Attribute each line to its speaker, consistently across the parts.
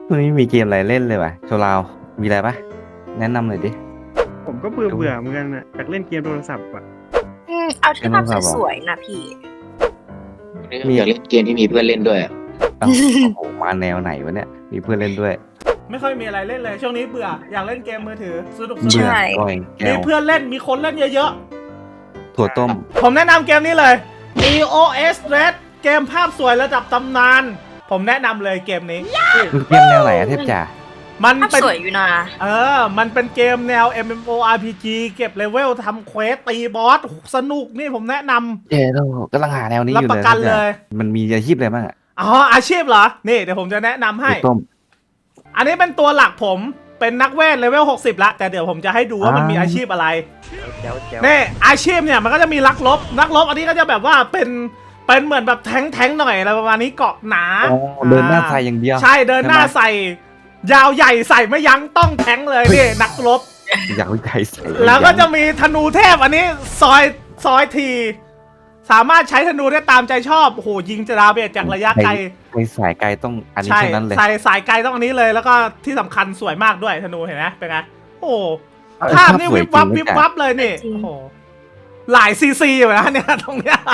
Speaker 1: วันนี้มีเกมอะไรเล่นเลยว่ะโชว์ราวมีอะไรปะแนะนำหน่อยดิ
Speaker 2: ผมก็เบื่อเหมือนกันนะอยากเล่นเกมโทรศัพท์อ่ะ
Speaker 3: เอาที่ภาพสวยๆนะพี่
Speaker 4: อยากเล่นเกมที่มีเพื่อนเล่นด้วยอะ
Speaker 1: โอ้โหมาแนวไหนวะเนี่ยมีเพื่อนเล่นด้วย
Speaker 5: ไม่ค่อยมีอะไรเล่นเลยช่วงนี้เบื่ออยากเล่นเกมมือถือสนุก
Speaker 1: เบื่อก่อยแก้
Speaker 5: มี
Speaker 1: ว
Speaker 5: เพื่อนเล่นมีคนเล่นเยอะ
Speaker 1: ถั่วต้ม
Speaker 5: ๆผมแนะนำเกมนี้เลย EOS Red เกมภาพสวยระดับตำนานผมแนะนำเลยเกมนี้
Speaker 1: มันเกมแนวไหนอะเทพจ่า
Speaker 5: มัน
Speaker 3: ภาพ
Speaker 5: เป็น
Speaker 3: สวยอยู่นะ
Speaker 5: มันเป็นเกมแนว MMORPG เก็บเลเวลทำเควสตีบอสสนุกนี่ผมแนะนำ
Speaker 1: เจ๊เรากำลังหาแนวนี้อยู่
Speaker 5: รับประกันเลย
Speaker 1: มันมีอาชีพอะไรบ้างอะ
Speaker 5: อ๋ออาชีพเหรอนี่เดี๋ยวผมจะแนะนำให้
Speaker 1: ถั่วต้ม
Speaker 5: อันนี้เป็นตัวหลักผมเป็นนักเวทเลเวล60ละแต่เดี๋ยวผมจะให้ดูว่ามันมีอาชีพอะไร
Speaker 2: แจ๋ว
Speaker 5: นี่อาชีพเนี่ยมันก็จะมีนักรบอันนี้ก็จะแบบว่าเป็นเหมือนแบบแท้งหน่อยอะไรประมาณนี้เกาะหนา
Speaker 1: อ๋อเดินหน้าใส่อย่างเดียว
Speaker 5: ใช่เดินหน้าใส่ยาวใหญ่ใส่ไม่ยั้งต้องแท้งเลยนี่นักรบ
Speaker 1: อยากวิจัยใส่
Speaker 5: แล้วก็จะมีธนูเทพอันนี้ซอยทีสามารถใช้ธนูได้ตามใจชอบโอ้โหยิงจะดาเมจจากระยะไกล
Speaker 1: ไปสายไกลต้องอันนี้
Speaker 5: ใช่
Speaker 1: เท่านั้นเลย
Speaker 5: ใส่สายไกลต้องอันนี้เลยแล้วก็ที่สำคัญสวยมากด้วยธนูเห็นไหมเป็นไงโอ้โหภาพนี่วิบวับวิบวับเลยนี่โอ้โหหลายซีอยู่นะเนี่ยตรงเนี้ย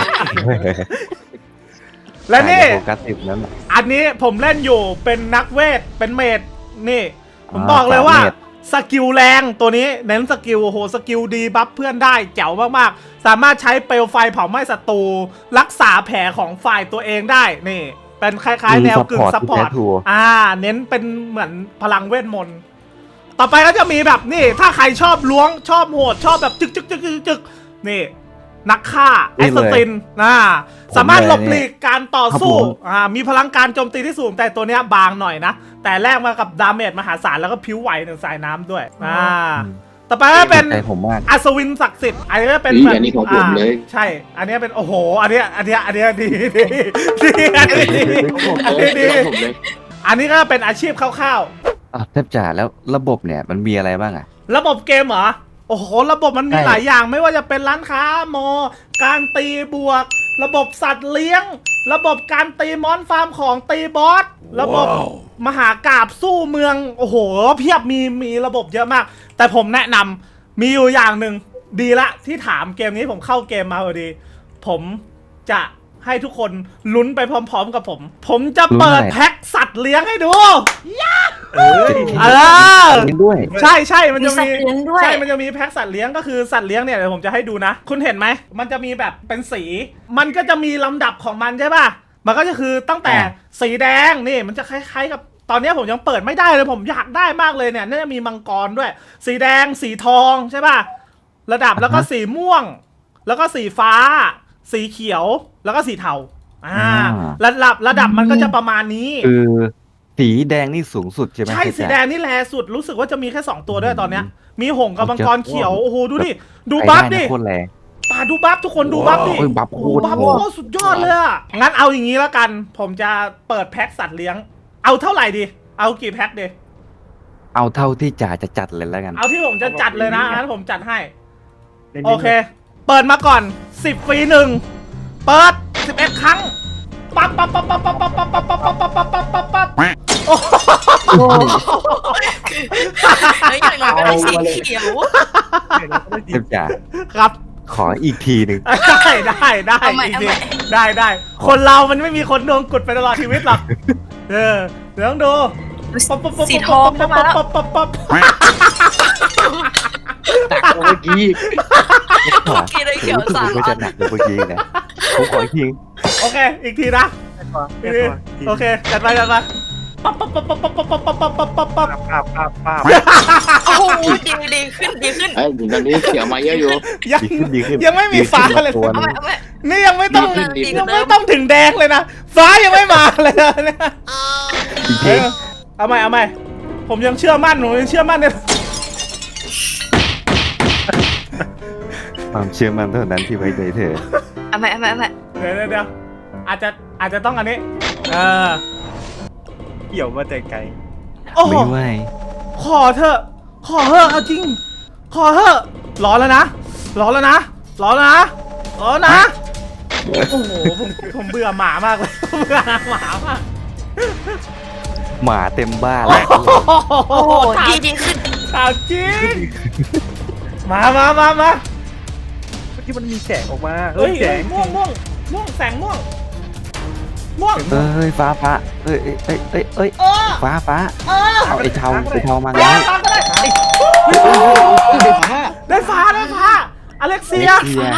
Speaker 5: และนี่
Speaker 1: โฟกัสสิบนั้นน่ะ
Speaker 5: อันนี้ผมเล่นอยู่เป็นนักเวทเป็นเมดนี่ ผมบอกเลยว่า
Speaker 1: เมจ
Speaker 5: สกิลแรงตัวนี้เน้นสกิลโอ้โหสกิลดีบัฟเพื่อนได้แจ๋วมากๆสามารถใช้เปลวไฟเผาไหม้ศัตรูรักษาแผลของฝ่ายตัวเองได้นี่เป็นคล้ายๆแนวกึ่งซัพพอร์ตเน้นเป็นเหมือนพลังเวทมนต์ต่อไปก็จะมีแบบนี่ถ้าใครชอบล้วงชอบโหดชอบแบบจึกนี่นักฆ่าแอสซินสามารถหลบหลีกการต่อสู้มีพลังการโจมตีที่สูงแต่ตัวเนี้ยบางหน่อยนะแต่แลกมากับดาเมจมหาศาลแล้วก็ผิวไหวหนึ่งสายน้ำด้วยต่อไปก็เป็น
Speaker 1: ใจผมมาก
Speaker 5: อัศวินศักดิ์สิทธิ์อันนี้ก็เป็น
Speaker 4: อันนี้ของผมเลย
Speaker 5: ใช่ อันนี้เป็นโอ้โหอันนี้ดีอันนี้ก็เป็นอาชีพคร่าวๆ
Speaker 1: เทพจ่าแล้วระบบเนี่ยมันมีอะไรบ้างอะ
Speaker 5: ระบบเกมเหรอ โอ้โห ระบบมันมี
Speaker 1: ใช่
Speaker 5: หลายอย่างไม่ว่าจะเป็นร้านค้าการตีบวก ระบบสัตว์เลี้ยง ระบบการตีมอนฟาร์มของตีบอส ระบบมหากาพย์สู้เมือง โอ้โห เพียบมีระบบเยอะมาก แต่ผมแนะนำมีอยู่อย่างหนึ่งดีละที่ถามเกมนี้ผมเข้าเกมมาพอดี ผมจะให้ทุกคนลุ้นไปพร้อมๆกับผม ผมจะเปิดแพ็คสัตว์เลี้ยงให้ดู
Speaker 1: เล่นด้วย
Speaker 5: ใช่มันจะ
Speaker 3: มีสัต
Speaker 5: มี
Speaker 3: ว์เลี้ยงด้วย
Speaker 5: ใช่มันจะมีแพ็คสัตว์เลี้ยงก็คือสัตว์เลี้ยงเนี่ยเดี๋ยวผมจะให้ดูนะ คุณเห็นไหมมันจะมีแบบเป็นสี มันก็จะมีลำดับของมันใช่ป่ะมันก็จะคือตั้งแต่สีแดงนี่มันจะคล้ายๆกับตอนนี้ผมยังเปิดไม่ได้เลยผมอยากได้มากเลยเนี่ยน่าจะมีมังกรด้วย สีแดงสีทองใช่ป่ะระดับแล้วก็สีม่วง แล้วก็สีฟ้า สีเขียวแล้วก็สีเทาระดับมันก็จะประมาณนี้
Speaker 1: คือสีแดงนี่สูงสุดใช่ไหม
Speaker 5: ใช่
Speaker 1: เทพ
Speaker 5: สี
Speaker 1: จ่า
Speaker 5: แดงนี่แลสุดรู้สึกว่าจะมีแค่2ตัวด้วยตอนเนี้ยมีหงส์กับมังกรเขียวโอ้โหดูดิดู
Speaker 1: ไป
Speaker 5: บัฟ
Speaker 1: ได้
Speaker 5: ดิ
Speaker 1: นะโคตรแรง
Speaker 5: ป่าดูบัฟทุกคนดูบัฟดิ
Speaker 1: โอ้ยบัฟ
Speaker 5: โอ้
Speaker 1: โค
Speaker 5: โห
Speaker 1: ตร
Speaker 5: บัฟโอ้โหสุดยอดเลยอะงั้นเอาอย่างนี้แล้วกัน ผมจะเปิดแพ็คสัตว์เลี้ยงเอาเท่าไหร่ดีเอากี่แพ็คดี
Speaker 1: เอาเท่าที่จ่าจะจัดเลยแล้วกัน
Speaker 5: เอาที่ผมจะจัดเลยนะงั้นผมจัดให้
Speaker 2: ๆ
Speaker 5: โอเค เปิดมาก่อน10ฟรี1เปิด11ครั้งปั๊บโอ้โห
Speaker 3: อย่างน้อยก็ได้สีเขียว
Speaker 1: เทพจ่า
Speaker 5: ครับ
Speaker 1: ขออีกทีหนึ่ง
Speaker 5: ได้
Speaker 3: เอาใหม่
Speaker 5: จริงๆได้คนเรามันไม่มีคนดวงกุดไปตลอดชีวิตหรอกเดี๋ยวต้องดู
Speaker 3: สีทองมาแล้ว
Speaker 4: ตักเมื่อกี้
Speaker 3: กี่เลยเขียวสาม
Speaker 1: ก็จะหนักกว่าเมื่อกี้นะผมขออีกที
Speaker 5: โอเคอีกทีนะโอเคจัดไปปั๊บ
Speaker 3: โอ้โหดีขึ้น
Speaker 4: ไอ้ถึงตอนนี้เสียมาเยอะอยู่
Speaker 1: ดีขึ้น
Speaker 5: ยังไม่มีฟ้าเลย
Speaker 1: ตัว
Speaker 3: เอา
Speaker 1: นึ
Speaker 3: ใหม่
Speaker 1: ง
Speaker 3: เอาใหม่
Speaker 5: นี่ยังไม่ต้อง
Speaker 3: ดีขึ้น
Speaker 5: ยังไม่ต้องถึงแดงเลยนะฟ้ายังไม่มาเลยเนี่ย
Speaker 1: อีกที
Speaker 5: เอาใหม่ผมยังเชื่อมั่นเนี่ย
Speaker 1: ความเชื่อมั่นเท่านั้นที่ไว้ใจเธอ
Speaker 3: เอาใหม่
Speaker 5: เดี๋ยวอาจจะต้องอันนี้
Speaker 2: เกี่ยวมาแต่ไกล
Speaker 5: โอ้โห
Speaker 1: ไม่ไหว
Speaker 5: ขอเถอะเอาจริงขอเถอะร้อนแล้วนะโอ้โหผมเบื่อหมามากเลยเบื่อหมามาก
Speaker 1: หมาเต็มบ้านเลย
Speaker 3: โอ้โหดีดีขึ้น
Speaker 5: ข่าวจริงมา
Speaker 2: เมื่อกี้มันมีแสงออกมา
Speaker 5: เฮ้ย
Speaker 2: แสง
Speaker 5: ม่วงแสงม่วง
Speaker 1: เอ้ยฟ้าเอ้ย
Speaker 5: เออ
Speaker 1: ฟ้า เอาไอ้เทามา
Speaker 5: ได้
Speaker 1: ไง
Speaker 5: ฟ้าก็ได้ ได้ฟ้าอเล็กเซีย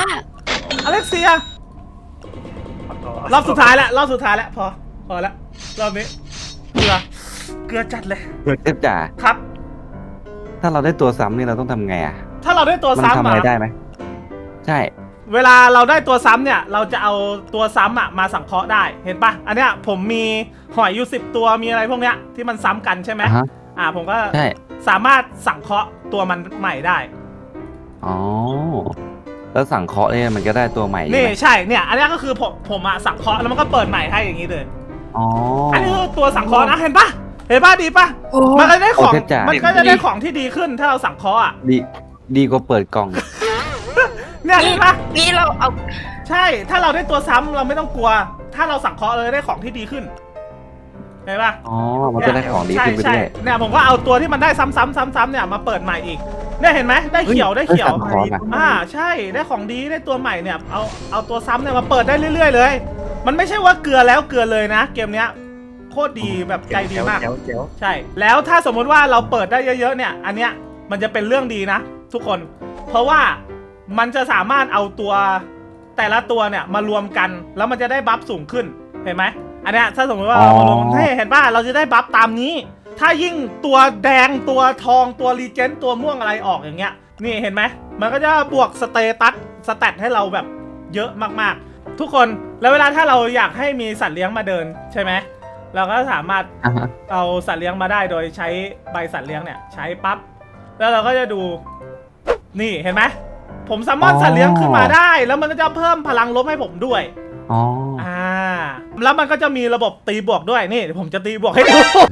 Speaker 5: รอบสุดท้ายแล้วพอแล้วรอบนี้เกลือจัดเลย
Speaker 1: เอฟจ๋า
Speaker 5: ครับ
Speaker 1: ถ้าเราได้ตัวซ้ำนี่เราต้องทำไงอ่ะ
Speaker 5: ถ้าเราได้ตัว
Speaker 1: มัน
Speaker 5: ซ้ำ
Speaker 1: ทำอะไรได้ไหมใช่
Speaker 5: เวลาเราได้ตัวซ้ำเนี่ยเราจะเอาตัวซ้ำมาสังเคราะห์ได้เห็นปะอันเนี้ยผมมีหอยอยู่10 ตัวมีอะไรพวกเนี้ยที่มันซ้ำกันใช่ไหม ผมก็
Speaker 1: ใช่
Speaker 5: สามารถสังเคราะห์ตัวมันใหม่ได้
Speaker 1: อ๋อแล้วสั่งเคาะเนี่ยมันก็ได้ตัวใหม่
Speaker 5: นี่
Speaker 1: ใช่ไหม
Speaker 5: ใช่เนี่ยอันนี้ก็คือผมสังเคราะห์แล้วมันก็เปิดใหม่ให้อย่างนี้เลย
Speaker 1: อ๋อ
Speaker 5: อันนี้คือตัวสังเคราะห์นะเห็นปะดีปะ
Speaker 3: โอ้
Speaker 5: มันก็ได้ของ
Speaker 1: โอเคจ้ะ
Speaker 5: มันก็จะได้ของที่ดีขึ้นถ้าเราสังเคราะห์อ่ะ
Speaker 1: ดีกว่าเปิดกล่อง
Speaker 5: เนี่ยเห็นปะ
Speaker 3: นี่เราเอา
Speaker 5: ใช่ถ้าเราได้ตัวซ้ำเราไม่ต้องกลัว ถ้าเราสังเคราะห์เลยได้ของที่ดีขึ้นเห็นปะ
Speaker 1: อ๋อมันจะได้ของดีขึ้นไป
Speaker 5: ใช่
Speaker 1: ด้วย
Speaker 5: เนี่ยผมก็เอาตัวที่มันได้ซ้ำเนี่ยมาเปิดใหม่อีกเนี่ยเห็นไหมได้เขียว
Speaker 1: สังเคราะห์นะ
Speaker 5: ใช่ได้ของดีได้ตัวใหม่เนี่ยเอาตัวซ้ำเนี่ยมาเปิดได้เรื่อยๆเลย มันไม่ใช่ว่าเกลือแล้วเกลือเลยนะเกมเนี้ยโคตรดีแบบใจดีมาก
Speaker 2: แจ๋ว
Speaker 5: ใช่แล้วถ้าสมมุติว่าเราเปิดได้เยอะๆเนี่ยอันเนี้ยมันจะเป็นเรื่องดีนะทุกคน เพราะว่ามันจะสามารถเอาตัวแต่ละตัวเนี่ยมารวมกันแล้วมันจะได้บัฟสูงขึ้นเห็นไหมอันเนี้ยถ้าสมมติว่าเรามารวมเห็นป่ะเราจะได้บัฟตามนี้ ถ้ายิ่งตัวแดงตัวทองตัวรีเจนต์ตัวม่วงอะไรออกอย่างเงี้ยนี่เห็นไหมมันก็จะบวกสเตตัสสแตทให้เราแบบเยอะมากๆทุกคนแล้วเวลาถ้าเราอยากให้มีสัตว์เลี้ยงมาเดินใช่ไหมเราก็สามารถ
Speaker 1: อ่าฮะ
Speaker 5: เอาสัตว์เลี้ยงมาได้โดยใช้ใบสัตว์เลี้ยงเนี่ยใช้ปั๊บแล้วเราก็จะดูนี่เห็นไหมผมสามารถสัตว์เลี้ยงขึ้นมาได้แล้วมันก็จะเพิ่มพลังลบให้ผมด้วย
Speaker 1: อ๋อ
Speaker 5: แล้วมันก็จะมีระบบตีบวกด้วยนี่เดี๋ยวผมจะตีบวกให้ดู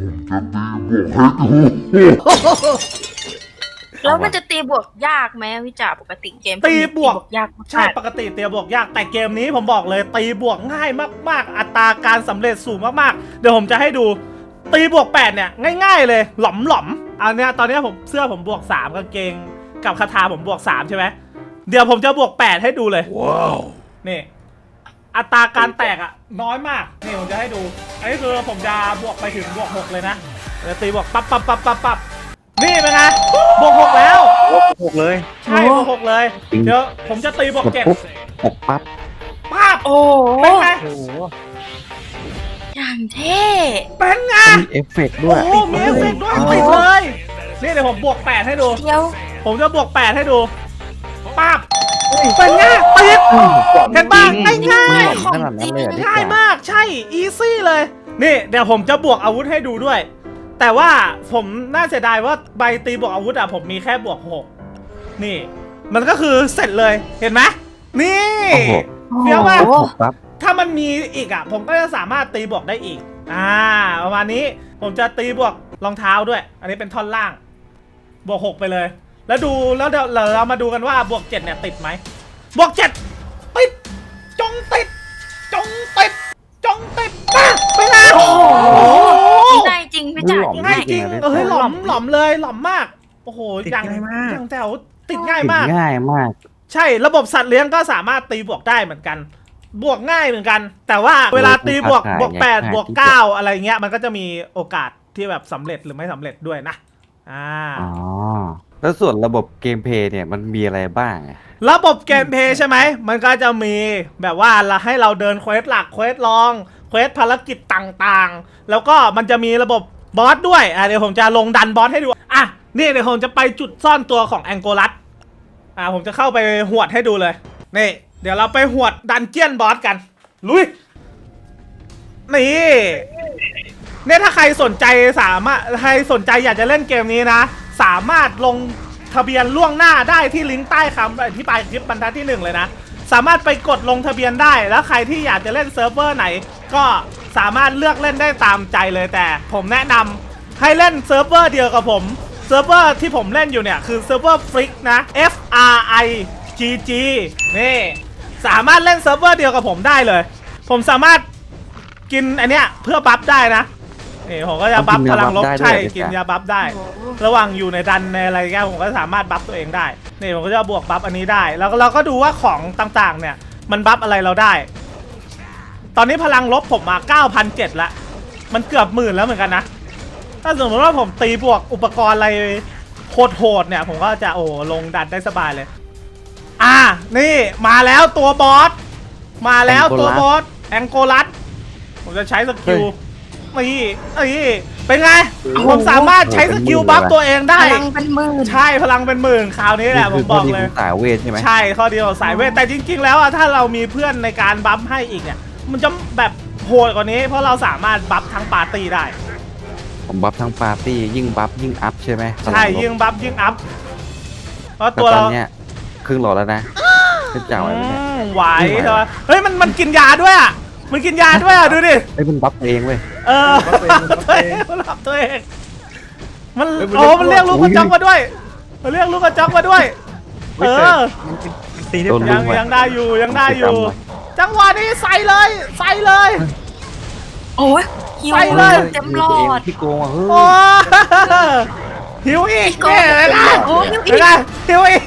Speaker 3: แล้วมันจะตีบวกยากไหมวิจารปกติเกม
Speaker 5: ตีบวก
Speaker 3: ยาก
Speaker 5: ใช่ปกติตีบวกยากแต่เกมนี้ผมบอกเลยตีบวกง่ายมากๆอัตราการสำเร็จสูงมากๆเดี๋ยวผมจะให้ดูตีบวก8เนี่ยง่ายๆเลยหล่อมอันเนี้ยตอนนี้ผมเสื้อผมบวก3กางเกงกับคาถาผมบวก3ใช่ไหมเดี๋ยวผมจะบวก8ให้ดูเลยว้าวนี่อัตราการแตกอ่ะน้อยมากนี่ผมจะให้ดูอันนี้คือผมจะบวกไปถึงบวก6เลยนะเดี๋ยวตีบวกปั๊บนี่เป็นไงบวก6แล้ว
Speaker 2: ๆหกเลย
Speaker 5: ใช่บวก6เลยเดี๋ยวผมจะตีบวก
Speaker 1: กดปุ๊บหกปั๊บ
Speaker 5: 7ปั๊บ
Speaker 3: โอ้
Speaker 5: เป็นไง
Speaker 2: โอ้โห
Speaker 3: อย่างเท่
Speaker 5: เป็นไง
Speaker 1: มีเอฟเฟกต์
Speaker 5: โอ้
Speaker 1: ด้วย
Speaker 5: โหมีเอฟเฟกต์ด้วยติดเลยนี่เดี๋ยวผมบวก8ให้ดู
Speaker 3: เดี๋ยว
Speaker 5: ผมจะบวก8ให้ดูปั๊บเป็นไงติดเห็นป่ะง่าย
Speaker 1: ขนาดนั้นเลยเหรอ
Speaker 5: ง่ายมากใช่อีซี่เลยนี่เดี๋ยวผมจะบวกอาวุธให้ดูด้วย แต่ว่าผมน่าเสียดายว่าใบตีบวกอาวุธอะผมมีแค่บวก6นี่มันก็คือเสร็จเลยเห็นไหมนี่
Speaker 1: โอ้โห
Speaker 5: เฟี้ยวมาก
Speaker 1: หกปั๊บ
Speaker 5: ถ้ามันมีอีกอ่ะผมก็จะสามารถตีบวกได้อีกประมาณนี้ผมจะตีบวกรองเท้าด้วย อันนี้เป็นท่อนล่างบวก6ไปเลย แล้วเดี๋ยวเรามาดูกันว่าบวก7เนี่ยติดไหมบวก7ติดจงติดป้าไปแล้วโอ้โห
Speaker 3: ง่ายจริงวิจาร
Speaker 5: ง่ายจริงหล่อมเลยหล่อมมากโอ้โห
Speaker 2: ติด
Speaker 5: อย่าง
Speaker 2: ง่ายมาก
Speaker 5: อย่างแถวติดง่าย
Speaker 1: ติด
Speaker 5: มาก
Speaker 1: ง่ายมาก
Speaker 5: ใช่ระบบสัตว์เลี้ยงก็สามารถตีบวกได้เหมือนกัน บวกง่ายเหมือนกัน แต่ว่าเวลาตีบวก8บวก9อะไรเงี้ยมันก็จะมีโอกาสที่แบบสำเร็จหรือไม่สำเร็จด้วยนะ
Speaker 1: อ๋อแล้วส่วนระบบเกมเพลย์เนี่ยมันมีอะไรบ้างอะ
Speaker 5: ระบบเกมเพลย์ใช่ไหมมันก็จะมีแบบว่าเราให้เราเดินเควสหลักเควสรองเควสภารกิจต่างๆแล้วก็มันจะมีระบบบอสด้วยเดี๋ยวผมจะลงดันบอสให้ดูนี่เดี๋ยวผมจะไปจุดซ่อนตัวของแองโกลัสผมจะเข้าไปหวดให้ดูเลยนี่เดี๋ยวเราไปหวดดันเจียนบอสกันลุยนี่เนี่ยถ้าใครสนใจอยากจะเล่นเกมนี้นะสามารถลงทะเบียนล่วงหน้าได้ที่ลิงก์ใต้คำอธิบายคลิปบรรทัดที่1เลยนะสามารถไปกดลงทะเบียนได้แล้วใครที่อยากจะเล่นเซิร์ฟเวอร์ไหนก็สามารถเลือกเล่นได้ตามใจเลยแต่ผมแนะนำให้เล่นเซิร์ฟเวอร์เดียวกับผมเซิร์ฟเวอร์ที่ผมเล่นอยู่เนี่ยคือเซิร์ฟเวอร์ฟริกนะ FRIGG นี่สามารถเล่นเซิร์ฟเวอร์เดียวกับผมได้เลยผมสามารถกินอันเนี้ยเพื่อบัฟได้นะนี่ผมก็จะบัฟพลังลบ
Speaker 1: ได้ด้วย
Speaker 5: ใช่
Speaker 1: เหรอ
Speaker 5: กิน
Speaker 1: จ๊ะ
Speaker 5: ยาบัฟได้ ระหว่างอยู่ในดันในอะไรเงี้ยผมก็สามารถบัฟตัวเองได้นี่ผมก็จะบวกบัฟอันนี้ได้ แล้วเราก็ดูว่าของต่างๆเนี่ยมันบัฟอะไรเราได้ ตอนนี้พลังลบผมมา 9,700 ละมันเกือบ10,000แล้วเหมือนกันนะถ้าสมมติว่าผมตีบวกอุปกรณ์อะไรโหดๆเนี่ยผมก็จะลงดันได้สบายเลยนี่มาแล้วตัวบอสมาแล้วตัวบอสแองโกลัสผมจะใช้สกิลนี่เป็นไงผมสามารถใช้สกิลบัฟตัวเองได้
Speaker 3: พลังเป็นหมื่น
Speaker 5: ใช่พลังเป็นหมื่นคราวนี้แหละผมบอกเลย
Speaker 1: สายเวทใช่ไหม
Speaker 5: ใช่ข้อเดียวสายเวทแต่จริงๆแล้วถ้าเรามีเพื่อนในการบัฟให้อีกเนี่ยมันจะแบบโหดกว่านี้เพราะเราสามารถบัฟทั้งปาร์ตี้ได้
Speaker 1: ผมบัฟทั้งปาร์ตี้ยิ่งบัฟยิ่งอัพใช่ไหม
Speaker 5: ใช่ยิ่งบัฟยิ่งอัพเพราะ
Speaker 1: แต่
Speaker 5: ตัว
Speaker 1: ตอ
Speaker 5: เรา
Speaker 1: นเนี้ยครึ่งหลอดแล้วนะเป็นเจ้าอะไรเนี่ย
Speaker 5: ไหวใช่ไหมเฮ้ยมันกินยาด้วยอ่ะมันกินยาด้วยอ่ะดูดิ
Speaker 1: ไอ้ยมันบัฟเองเว้ย
Speaker 5: มันรับตัวเองมันมันเรียกลูกกระจอกมาด้วยมันเรียกลูกกระจอกมาด้วย
Speaker 2: ตีได้
Speaker 1: โดน
Speaker 5: ยังได้อยู่จังหวะนี้ใส่เลย
Speaker 3: โอ้ยหิว
Speaker 5: ไปเลย
Speaker 3: เต็มหลอด
Speaker 1: พี่โกงอ่ะเฮ้ย
Speaker 5: โอ้หิวอีก
Speaker 3: พี่โกง
Speaker 5: เนี่ยเลยนะ
Speaker 3: โอ้หิวอีก
Speaker 5: เลยนะหิวอีก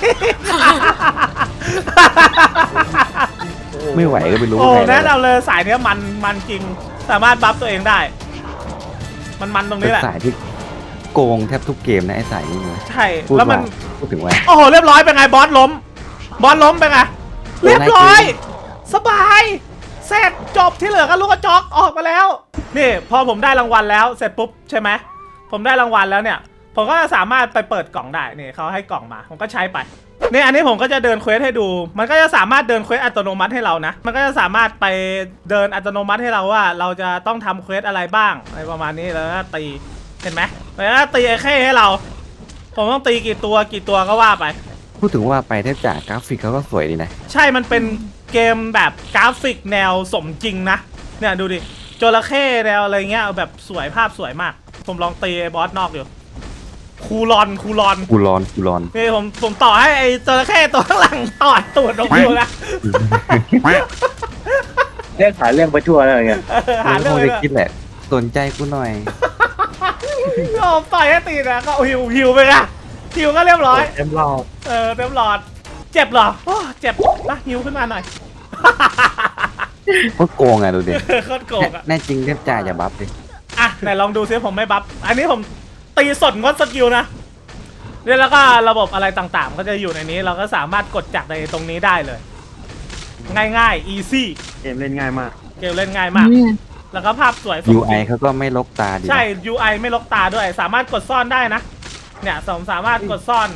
Speaker 1: ไม่ไหวก็ไม่รู้
Speaker 5: โอ้
Speaker 1: ไง
Speaker 5: แนะนำเลยสายเนี้ยมันจริงสามารถบัฟตัวเองได้ มันตรง
Speaker 1: เป็
Speaker 5: นี้
Speaker 1: น
Speaker 5: แหละ
Speaker 1: สายที่โกงแทบทุกเกมนะไอ้สายนี้เลย
Speaker 5: ใช่
Speaker 1: พูด
Speaker 5: แล้วมัน
Speaker 1: พูดถึงว่า
Speaker 5: โอ้โหเรียบร้อยเป็นไงบอสล้มเป็นไงเรียบร้อย สบายเสร็จจบที่เหลือก็ลูกกระจอกออกมาแล้วนี่พอผมได้รางวัลแล้วเสร็จปุ๊บใช่ไหมผมได้รางวัลแล้วเนี่ยผมก็สามารถไปเปิดกล่องได้นี่เขาให้กล่องมาผมก็ใช้ไปนี่อันนี้ผมก็จะเดินเควสให้ดูมันก็จะสามารถเดินเควสอัตโนมัติให้เรานะมันก็จะสามารถไปเดินอัตโนมัติให้เราว่าเราจะต้องทำเควสอะไรบ้างอะไรประมาณนี้แล้วก็ตีเห็นไหมแล้วก็ตีไอ้เข้ให้เราผมต้องตีกี่ตัวก็ว่าไป
Speaker 1: พูดถึงว่าไปแทบจากกราฟิกเขาก็สวยดีนะ
Speaker 5: ใช่มันเป็นเกมแบบกราฟิกแนวสมจริงนะเนี่ยดูดิจระเข้แนวอะไรเงี้ยแบบสวยภาพสวยมากผมลองตีไอ้บอสนอกอยู่คูลอน
Speaker 1: กูรอน
Speaker 5: นี่ผมต่อให้ไอ้จระเข้ตัวข้างหลังต่อตูดลงอยู่นะ
Speaker 4: เรื่องหาเรื่องไปทั่วแล้วเนี่ย
Speaker 5: หาเรื่อง
Speaker 1: คง
Speaker 5: เลย
Speaker 1: จะคิดแหละสนใจกูหน่อย
Speaker 5: ก็ต่อยให้ตีนะก็หิวไปนะหิวก็เรียบร้อย
Speaker 2: เต็มหลอด
Speaker 5: เต็มหลอดเจ็บเหรอโอ้เจ็บนะหิวขึ้นมาหน่อย
Speaker 1: ก็โกงอ่ะดูดิ
Speaker 5: โคตรโกงอะ
Speaker 1: แน่จริงเทพจ่าอย่าบัฟดิ
Speaker 5: อ่ะไหนลองดูซิผมไม่บัฟอันนี้ผมตีสดงดสกิลนะเนี่ยแล้วก็ระบบอะไรต่างๆก็จะอยู่ในนี้เราก็สามารถกดจากในตรงนี้ได้เลย ง่ายๆ easy
Speaker 2: เกมเล่นง่ายมาก
Speaker 5: เกมเล่นง่ายมาก แล้วก็ภาพสวยสมจริง
Speaker 1: UI เขาก็ไม่ลกตาดีนะ
Speaker 5: ใช่ UI ไม่ลกตาด้วยสามารถกดซ่อนได้นะเนี่ยสามารถกดซ่อน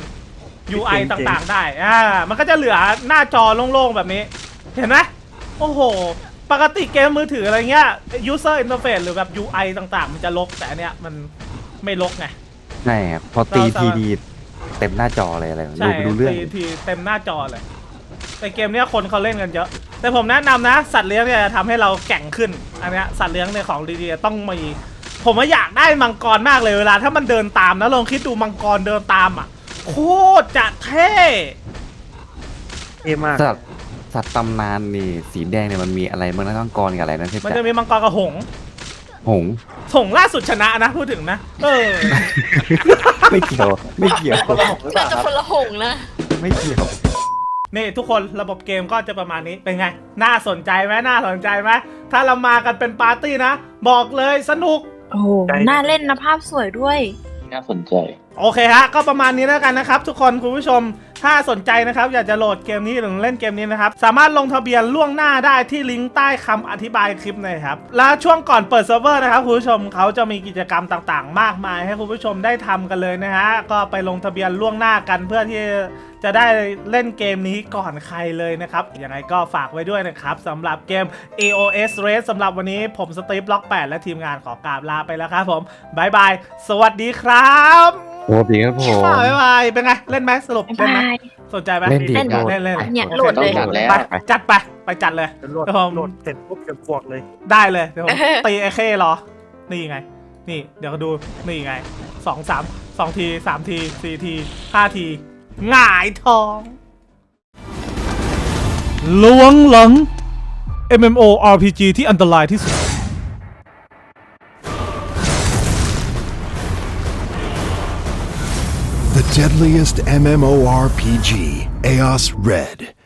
Speaker 5: UI ต่างๆได้มันก็จะเหลือหน้าจอโล่งๆแบบนี้ เห็นไหมโอ้โหปกติเกมมือถืออะไรเงี้ย user interface หรือแบบ UI ต่างๆ มันจะลกแต่อันเนี้ยมันไม่ลกไง
Speaker 1: ใช่ครับพอตีทีดีเต็มหน้าจอเลยอะไรดู
Speaker 5: ใช่
Speaker 1: ไม่รู้เรื่อง
Speaker 5: ทีเต็มหน้าจอเลยแต่เกมเนี้ยคนเขาเล่นกันเยอะแต่ผมแนะนำนะสัตว์เลี้ยงเนี่ยจะทำให้เราแกร่งขึ้นอันเนี้ยสัตว์เลี้ยงในของดีๆต้องมีผมว่าอยากได้มังกรมากเลยเวลาถ้ามันเดินตามนะลองคิดดูมังกรเดินตามอ่ะโคตรจะเท่
Speaker 2: เท่มาก
Speaker 1: สัตว์ตำนานนี่สีแดงเนี่ยมันมีอะไรบ้างนะต้องกรกับอะไรนะเทพ
Speaker 5: มัน
Speaker 1: จ่า
Speaker 5: จะมีมังกรกับหงส์
Speaker 1: หงส์
Speaker 5: หงส์ล่าสุดชนะนะพูดถึงนะ
Speaker 1: ไม่เกี่ยว
Speaker 3: เราจะคนละหงนะ
Speaker 1: ไม่เกี่ยว
Speaker 5: นี่ทุกคนระบบเกมก็จะประมาณนี้เป็นไงน่าสนใจไหมถ้าเรามากันเป็นปาร์ตี้นะบอกเลยสนุก
Speaker 3: โอ้โหน่าเล่นนะภาพสวยด้วย
Speaker 4: น่าสนใจ
Speaker 5: โอเคฮะก็ประมาณนี้แล้วกันนะครับทุกคนคุณผู้ชมถ้าสนใจนะครับอยากจะโหลดเกมนี้หรือเล่นเกมนี้นะครับสามารถลงทะเบียนล่วงหน้าได้ที่ลิงก์ใต้คำอธิบายคลิปนะครับและช่วงก่อนเปิดเซิร์ฟเวอร์นะครับคุณผู้ชมเขาจะมีกิจกรรมต่างๆ มากมายให้คุณผู้ชมได้ทำกันเลยนะฮะก็ไปลงทะเบียนล่วงหน้ากันเพื่อที่จะได้เล่นเกมนี้ก่อนใครเลยนะครับยังไงก็ฝากไว้ด้วยนะครับสำหรับเกม AOS Race สำหรับวันนี้ผมสตีฟล็อก8และทีมงานขอกราบลาไปแล้วครับผมบายบายสวัสดีครับ
Speaker 1: โอ้ดีครับผม
Speaker 5: บายบายเป็นไงเล่นไหมสรุปเล่นไหมสนใจไหม
Speaker 1: เล่นดี
Speaker 3: เล่น
Speaker 1: โหด
Speaker 5: เล่น
Speaker 3: เนี่ยโหลดเลย
Speaker 4: ต้องจัดแล้ว
Speaker 5: ไปจัดไปจัดเลย
Speaker 2: โหลด
Speaker 5: เดี๋ยวผม
Speaker 2: โหลดเสร็จปุ๊บจะบวกเลย
Speaker 5: ได้เลยเดี๋ยวผมตีไอ้เข้รอนี่ไงนี่เดี๋ยวก็ดูนี่ไง2 ที3 ที4 ที5 ทีหงายท้องล้วงหลัง MMORPG ที่อันตรายที่สุด
Speaker 6: deadliest MMORPG, Eos Red.